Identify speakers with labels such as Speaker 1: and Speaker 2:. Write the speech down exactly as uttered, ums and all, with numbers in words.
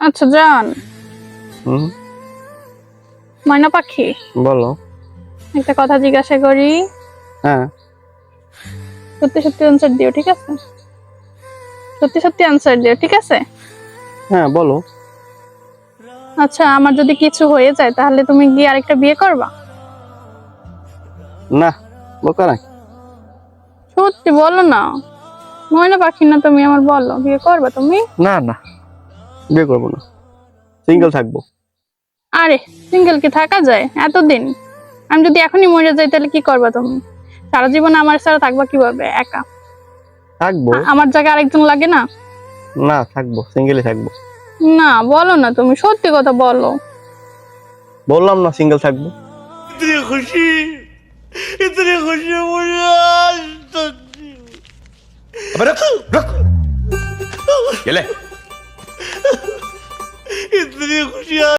Speaker 1: আচ্ছা জান,
Speaker 2: হুম,
Speaker 1: ময়না পাখি,
Speaker 2: বলো।
Speaker 1: একটা কথা জিজ্ঞাসা করি,
Speaker 2: হ্যাঁ,
Speaker 1: সত্যি সত্যি আনসার দিও, ঠিক আছে? সত্যি সত্যি আনসার দিও, ঠিক আছে?
Speaker 2: হ্যাঁ, বলো।
Speaker 1: আচ্ছা, আমার যদি কিছু হয়ে যায় তাহলে তুমি গিয়ে আরেকটা বিয়ে করবা?
Speaker 2: না, বোকা নাকি?
Speaker 1: সত্যি বলো না, ময়না পাখি না তুমি, আমার বলো, বিয়ে করবা তুমি?
Speaker 2: না না, বিয়ে করবো না, সিঙ্গেল থাকবো।
Speaker 1: আরে, সিঙ্গেল কি থাকা যায় এতদিন? আমি যদি এখনই মরে যাই তাহলে কি করবা তুমি? সারা জীবন আমার ছাড়া থাকবা কিভাবে একা?
Speaker 2: থাকবো।
Speaker 1: আ- আমার জায়গায় আরেকজন লাগে না?
Speaker 2: না, থাকবো, সিঙ্গেলই থাকবো।
Speaker 1: না, বলো না, তুমি সত্যি কথা বলো।
Speaker 2: বললাম না, সিঙ্গেল থাকবো।
Speaker 3: इतनी खुशी इतनी खुशी मुझे आज तक नहीं हुई।
Speaker 4: अबे रुक रुक ये ले
Speaker 3: इतनी खुशी